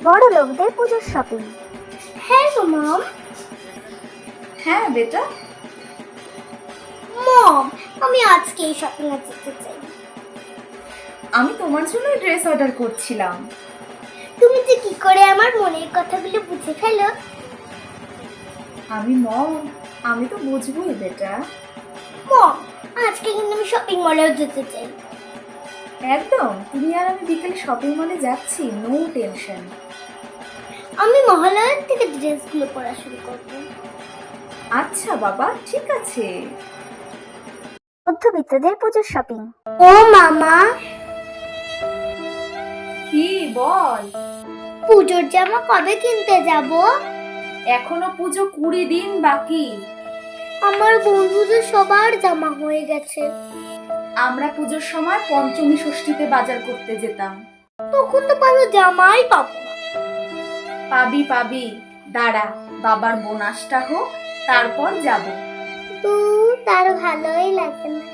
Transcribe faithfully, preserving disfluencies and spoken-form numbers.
বড় লোকদের পুজোর শপিং। হ্যাঁ গো মম। হ্যাঁ বেটা। মম, আমি আজকে এই শপিং এ যেতে চাই। আমি তোমার জন্য ড্রেস অর্ডার করছিলাম। তুমি যে কি করে আমার মনের কথাগুলো বুঝে ফেলো? আমি মম, আমি তো বুঝবই বেটা। মম, আজকে কিন্তু আমি শপিং মলেও যেতে চাই। একদম, তুমি আর আমি বিকেলে শপিং মলে যাচ্ছি, নো টেনশন। আমি মহালয়ার থেকে ড্রেসগুলো পরা শুরু করব। আচ্ছা বাবা, ঠিক আছে। মধ্যবিত্তদের পুজোর শপিং। ও মামা, কি বল? পুজোর জামা কবে কিনতে যাব? এখনো পুজো কুড়ি দিন বাকি। আমার বন্ধুদের সবার জামা হয়ে গেছে। আমরা পুজোর সময় পঞ্চমী ষষ্ঠীতে বাজার করতে যেতাম। তখন তো ভালো জামাই পাবো না। পাবি পাবি, দাঁড়া, বাবার বোনাসটা হোক, তারপর যাব। তো তার ভালোই লাগে না।